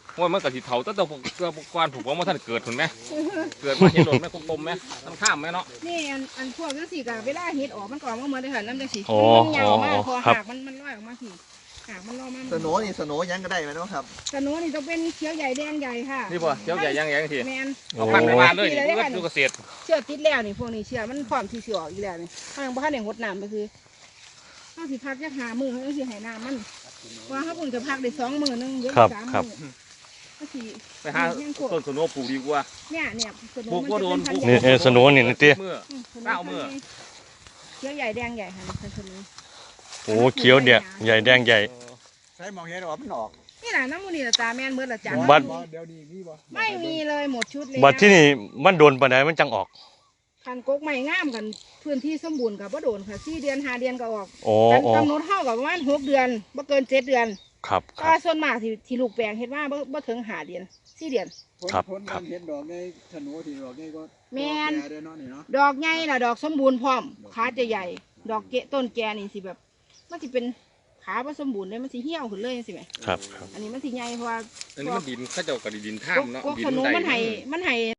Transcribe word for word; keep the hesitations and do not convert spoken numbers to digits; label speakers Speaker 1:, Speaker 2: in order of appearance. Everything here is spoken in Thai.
Speaker 1: ว่ามันกับสีเถาตั้งแต่เกือบกวนถูกว่ามันท่านเกิดถึงไหมเกิดมาเห็นหล่นไหมกลมๆไหมทั้งข้ามไหมเนาะ
Speaker 2: นี่อันอันพวกจังซี่ก็เวลาเฮ็ดออกมันก็ออกมาเหมือนได้ค่ะน้ำจังซี่
Speaker 3: โอ้
Speaker 2: มันยาวมาก
Speaker 3: โอ้
Speaker 2: พอ
Speaker 3: ครับ
Speaker 2: หากมันมันลอยออกมาทีหากมันลอยมา
Speaker 4: สโนนี่สโนยังก็ได้ไหมน้องครับ
Speaker 2: สโนนี่ต้องเป็นเขียวใหญ่แดงใหญ่ค่ะ
Speaker 1: นี่ป่ะเจ้าใหญ่ยังใหญ่ที
Speaker 2: แมน
Speaker 1: เอาพันไปมาเลยนี่ก็ดูเกษตร
Speaker 2: เชือกติดแล้วนี่พวกนี้เชือกมันพร้อมที่สิออกอีกแล้วนี่ถ้ายังบ่ทันได้หดน้ำก็คือเฮาสิพักจักหามื้อเฮาสิให้น้ำมันว่าเฮาเพิ่งจะพักได้สองมื้อนึงเดี๋ยว
Speaker 3: ครับ
Speaker 2: สาม
Speaker 3: ครับ
Speaker 2: มื้อก็สิ
Speaker 1: ไปหาต้นสนุปลูกดีกว่า
Speaker 2: เนี่ยเนี่ยสโน
Speaker 1: ปลูก
Speaker 2: มั
Speaker 1: ว่าโดน
Speaker 2: จะเป็พัธุ์
Speaker 3: นี่
Speaker 2: ใหญ่
Speaker 3: เออสโนนี่นี่ติ
Speaker 1: เมื่อ
Speaker 2: อืมสโน
Speaker 1: เก้ามื้อ
Speaker 2: เขียวใหญ่แดงใหญ่ค่ะเป็นสโน
Speaker 3: โอ้เขียวเนี่ยใหญ่แดงใหญ่
Speaker 4: ใช้มองเห็นว่ามันออก
Speaker 2: นี่แหละน้ำมูนี่ละตาแม่นเบิดละจัง
Speaker 3: บัด
Speaker 4: เดี๋ยวนี้มีบ่
Speaker 2: ไม่มีเลยหมดชุดเลย
Speaker 3: บัดที่นี่มันโดนปานใดมันจังออก
Speaker 2: คันกกใหม่งามกันพื้นที่สมบูรณ์กับว่าโดนค่ะสี่เดือนห้าเดือนก็ออก
Speaker 3: โอ้
Speaker 2: กัน
Speaker 3: โอ้
Speaker 2: กำหนดเท่ากับประมาณหกเดือนบ่เกินเจ็ดเดือน
Speaker 3: ครับค
Speaker 2: ก็
Speaker 3: รับ
Speaker 2: ส่วนมากที่ที่ลูกแปลงเห็นว่าบ่บ่ถึงห้าเดือนสี่เดือน
Speaker 3: ครับ
Speaker 4: พ้น
Speaker 3: ครับ
Speaker 4: เห็นดอกในสโนที่ดอกนี่ก็
Speaker 2: แม่น
Speaker 4: เด้อเนาะนี่เนาะ
Speaker 2: ดอกใหญ่ล่ะดอกสมบูรณ์พร้อมขาจะใหญ่ ดอกเกะต้นแกนี่สิแบบมันสิเป็นขาบ่สมบูรณ์เลยมันสิเหี่ยวขึ้นเลยจังซี่แหม
Speaker 3: ครับครับ
Speaker 2: อันนี้มันสิใหญ่เพราะว่า
Speaker 1: อันนี้มันดินข้าเจ้ากับดินท่าม
Speaker 2: ก
Speaker 1: เนาะ
Speaker 2: ก
Speaker 1: ดิน
Speaker 2: ขนุน
Speaker 1: ใด
Speaker 2: มันให้มันให้